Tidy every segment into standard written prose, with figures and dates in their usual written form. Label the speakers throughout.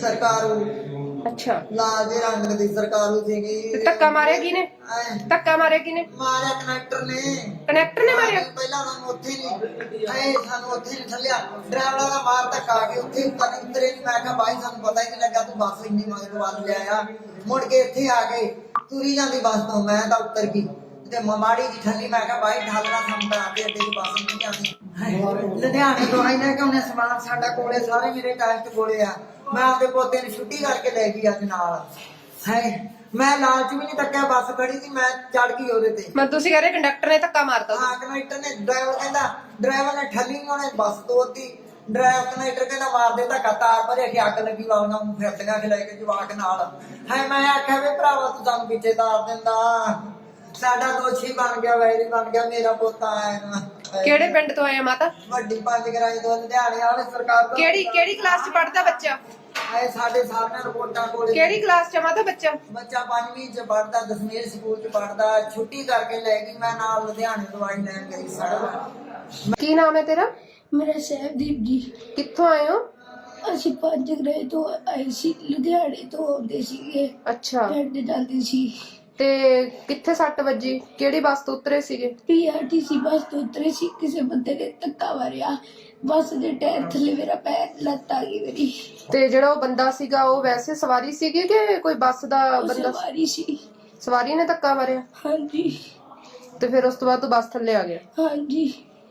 Speaker 1: सरकारू
Speaker 2: अच्छा
Speaker 1: लाल रंग दी सरकारू सीगी
Speaker 2: धक्का मारिया किने धक्का मारिया किने
Speaker 1: मारिया कनेक्टर ने
Speaker 2: मारिया
Speaker 1: पहला सानू उत्थे नहीं सानू उत्थे नहीं थल्लिया ड्राइवर दा मार धक्का के उत्थे उतरे नहीं मैं कहा भाई सानू पता ही नहीं लगा तू बस इन्नी मगर वाल ले आया मुड़ के इत्थे आ गए तुरी जांदी बस तो मैं तां उतर गई ते माड़ी जी ठल्ली मैं कहा भाई ढालना सानू तां आते अड्डे दी बस नहीं जांदी लुधियाने तो आई ना कि उन्हें समान साडा कोले सारे मेरे टेस्ट कोले आ मैं आपके पोते ने छुट्टी करके ले गई अज नाल है मैं लालच भी नहीं तक्या बस खड़ी थी मैं चढ़ गई ओदे ते
Speaker 2: मैं तुसी कह रहे कंडक्टर ने धक्का मारता
Speaker 1: हां कंडक्टर ने ड्राइवर ने ठल्ली उन्हें बस तोड़ती ड्राइवर कंडक्टर कहना मार दे धक्का तार भरे के अग लगी वा उन्होंने फिरदियां के लेके जवाक नाल है मैं आख्या वे भरावा तू सानू पीछे तार दिंदा साडा दोषी बन गया वैरी बन गया मेरा पोता आएगा
Speaker 2: केड़े पिंड तो आए माता
Speaker 1: ਵੱਡੀ ਪੰਜ ਗਰਾਈ ਤੋਂ ਲੁਧਿਆਣੇ ਵਾਲੇ ਸਰਕਾਰ ਤੋਂ
Speaker 2: केड़ी क्लास च पढ़दा बच्चा
Speaker 1: ਆਏ ਸਾਡੇ ਸਾਹਮਣੇ ਰਿਪੋਰਟਾਂ ਕੋਲੇ
Speaker 2: केड़ी क्लास च माता बच्चा
Speaker 1: ਬੱਚਾ 5ਵੀਂ ਚ ਪੜਦਾ 10ਵੀਂ ਸਕੂਲ ਚ ਪੜਦਾ ਛੁੱਟੀ ਕਰਕੇ ਲੈ ਗਈ ਮੈਂ ਨਾਲ ਲੁਧਿਆਣੇ ਦਵਾਈ ਲੈਣ ਗਈ ਸਾਡਾ
Speaker 2: की नाम है तेरा
Speaker 3: मेरा सहबदीप जी
Speaker 2: कित्थों आए हो
Speaker 3: ਅਸੀਂ ਪੰਜ ਗ੍ਰਹਿ ਤੋਂ ਆਏ ਸੀ ਲੁਧਿਆਣੇ ਤੋਂ ਆਉਂਦੇ ਸੀਗੇ
Speaker 2: अच्छा
Speaker 3: ਪਿੰਡ ਜਾਂਦੇ ਸੀ
Speaker 2: ਤੇ ਕਿੱਥੇ ਸੱਟ ਵੱਜੀ ਕਿਹੜੀ ਬੱਸ ਤੋਂ ਉਤਰੇ ਸੀਗੇ
Speaker 3: ਪੀਆਰਟੀਸੀ ਬੱਸ ਤੋਂ ਉਤਰੇ ਸੀ ਕਿਸੇ ਬੰਦੇ ਨੇ ਧੱਕਾ ਮਾਰਿਆ ਬੱਸ ਦੇ ਟਾਇਰ ਥੱਲੇ ਮੇਰਾ ਪੈਰ ਲੱਤ ਆ ਗਈ ਮੇਰੀ
Speaker 2: ਤੇ ਜਿਹੜਾ ਉਹ ਬੰਦਾ ਸੀਗਾ ਉਹ ਵੈਸੇ ਸਵਾਰੀ ਸੀਗੀ ਕਿ ਕੋਈ ਬੱਸ ਦਾ ਬੰਦਾ
Speaker 3: ਸਵਾਰੀ ਸੀ
Speaker 2: ਸਵਾਰੀ ਨੇ ਧੱਕਾ ਮਾਰਿਆ
Speaker 3: ਹਾਂਜੀ
Speaker 2: ਤੇ ਫਿਰ ਉਸ ਤੋਂ ਬਾਅਦ ਤੂੰ ਬੱਸ ਥੱਲੇ ਆ ਗਿਆ
Speaker 3: ਹਾਂਜੀ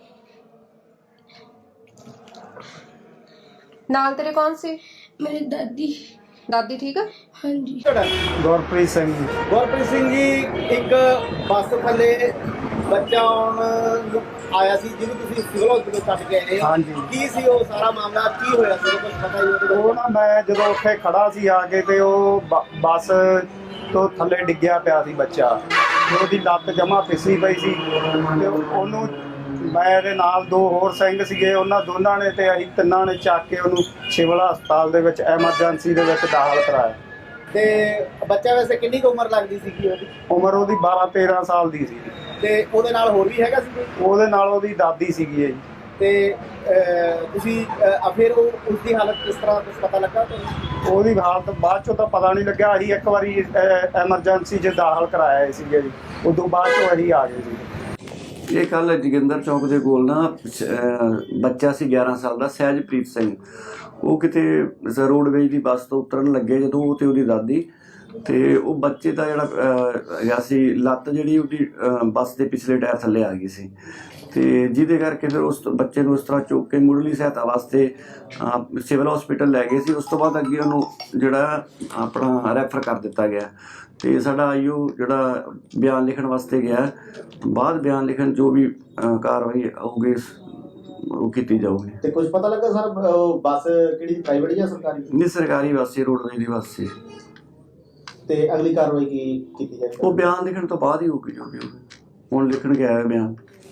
Speaker 2: ਨਾਲ ਤੇਰੇ ਕੌਣ ਸੀ
Speaker 3: ਮੇਰੀ ਦਾਦੀ
Speaker 2: ਠੀਕ ਆ
Speaker 3: ਹਾਂਜੀ
Speaker 4: ਗੁਰਪ੍ਰੀਤ ਸਿੰਘ ਜੀ।
Speaker 5: ਗੁਰਪ੍ਰੀਤ ਸਿੰਘ ਜੀ ਇੱਕ ਬੱਸ ਥੱਲੇ ਬੱਚਾ ਆਉਣ ਨੂੰ ਆਇਆ ਸੀ ਜਿਹਨੂੰ ਤੁਸੀਂ ਸਿਵਲ ਹਸਪੀਟਲ ਛੱਡ ਕੇ ਆਏ
Speaker 4: ਹਾਂਜੀ।
Speaker 5: ਕੀ ਸੀ ਉਹ ਸਾਰਾ ਮਾਮਲਾ ਕੀ ਹੋਇਆ ਸੀ ਕੁਝ ਪਤਾ ਹੀ ਉਹਦੇ
Speaker 4: ਉਹ ਨਾ ਮੈਂ ਜਦੋਂ ਉੱਥੇ ਖੜਾ ਸੀ ਆ ਕੇ ਤੇ ਉਹ ਬੱਸ ਤੋਂ ਥੱਲੇ ਡਿੱਗਿਆ ਪਿਆ ਸੀ ਬੱਚਾ ਤੇ ਉਹਦੀ ਲੱਤ ਜਮਾ ਫਿਸੀ ਪਈ ਸੀ ਤੇ ਉਹਨੂੰ ਮੇਰੇ ਨਾਲ ਦੋ ਹੋਰ ਸਿੰਘ ਸੀਗੇ ਉਹਨਾਂ ਦੋਨਾਂ ਨੇ ਤੇ ਅਸੀਂ ਤਿੰਨਾਂ ਨੇ ਚੱਕ ਕੇ ਉਹਨੂੰ ਸਿਵਲ ਹਸਪਤਾਲ ਦੇ ਵਿੱਚ ਐਮਰਜੈਂਸੀ ਦੇ ਵਿੱਚ ਦਾਖਲ ਕਰਾਇਆ
Speaker 5: ਤੇ ਬੱਚਾ ਵੈਸੇ ਕਿੰਨੀ ਕੁ ਉਮਰ ਲੱਗਦੀ ਸੀਗੀ ਉਹਦੀ
Speaker 4: ਉਮਰ ਉਹਦੀ 12-13 ਸਾਲ ਦੀ ਸੀ
Speaker 5: ਤੇ ਉਹਦੇ ਨਾਲ ਹੋਰ ਵੀ ਹੈਗਾ ਸੀ ਕੋਈ?
Speaker 4: ਉਹਦੇ ਨਾਲ ਉਹਦੀ ਦਾਦੀ ਸੀਗੀ ਜੀ
Speaker 5: ਤੇ ਤੁਸੀਂ ਫਿਰ ਉਸ ਦੀ ਹਾਲਤ ਕਿਸ ਤਰ੍ਹਾਂ ਕੁਝ ਪਤਾ ਲੱਗਾ ਤੁਹਾਨੂੰ?
Speaker 4: ਉਹਦੀ ਹਾਲਤ ਬਾਅਦ ਚੋਂ ਤਾਂ ਪਤਾ ਨਹੀਂ ਲੱਗਿਆ ਅਸੀਂ ਇੱਕ ਵਾਰੀ ਐਮਰਜੈਂਸੀ 'ਚ ਦਾਖਲ ਕਰਾਇਆ ਸੀਗੇ ਜੀ ਉਦੋਂ ਬਾਅਦ ਚੋਂ ਅਸੀਂ ਆ ਗਏ ਸੀ
Speaker 6: ਇਹ ਕੱਲ ਜੋਗਿੰਦਰ ਚੌਕ ਦੇ ਕੋਲ ਨਾ ਬੱਚਾ ਸੀ 11 ਸਾਲ ਦਾ ਸਹਿਜਪ੍ਰੀਤ ਸਿੰਘ ਉਹ ਕਿਤੇ ਰੋਡਵੇਜ ਦੀ ਬੱਸ ਤੋਂ ਉਤਰਨ ਲੱਗੇ ਜਦੋਂ ਉਹ ਤੇ ਉਹਦੀ ਦਾਦੀ ਤੇ ਉਹ ਬੱਚੇ ਦਾ ਜਿਹੜਾ ਹੈਗਾ ਸੀ ਲੱਤ ਜਿਹੜੀ ਉਹਦੀ ਬੱਸ ਦੇ ਪਿਛਲੇ ਟਾਇਰ ਥੱਲੇ ਆ ਗਈ ਸੀ ਤੇ ਜਿਹਦੇ ਕਰਕੇ ਫਿਰ ਉਸ ਬੱਚੇ ਨੂੰ ਉਸ ਤਰ੍ਹਾਂ ਚੁੱਕ ਕੇ ਮੁੱਢਲੀ ਸਹਾਇਤਾ ਵਾਸਤੇ ਸਿਵਲ ਹਸਪੀਟਲ ਲੈ ਗਏ ਸੀ ਉਸ ਤੋਂ ਬਾਅਦ ਅੱਗੇ ਉਹਨੂੰ ਜਿਹੜਾ ਆਪਣਾ ਰੈਫਰ ਕਰ ਦਿੱਤਾ ਗਿਆ ਤੇ ਸਾਡਾ ਆਈਓ ਜਿਹੜਾ ਬਿਆਨ ਲਿਖਣ ਵਾਸਤੇ ਗਿਆ ਬਾਅਦ ਬਿਆਨ ਲਿਖਣ ਜੋ ਵੀ ਕਾਰਵਾਈ ਹੋਊਗੀ ਉਹ ਕੀਤੀ ਜਾਊਗੀ
Speaker 5: ਤੇ ਕੁਝ ਪਤਾ ਲੱਗਾ ਸਰ ਬੱਸ ਕਿਹੜੀ ਪ੍ਰਾਈਵੇਟ ਜਾਂ ਸਰਕਾਰੀ?
Speaker 6: ਨਹੀਂ ਸਰਕਾਰੀ ਬੱਸ ਸੀ ਰੋਡਵੇਜ ਦੀ ਬੱਸ ਸੀ
Speaker 5: ਤੇ ਅਗਲੀ ਕਾਰਵਾਈ ਕੀ ਕੀਤੀ ਜਾਏਗੀ?
Speaker 6: ਉਹ ਬਿਆਨ ਲਿਖਣ ਤੋਂ ਬਾਅਦ ਹੀ ਹੋਊਗੀ ਜੋ ਵੀ ਹੋਊਗੀ ਹੁਣ ਲਿਖਣ ਗਿਆ ਹੈ ਬਿਆਨ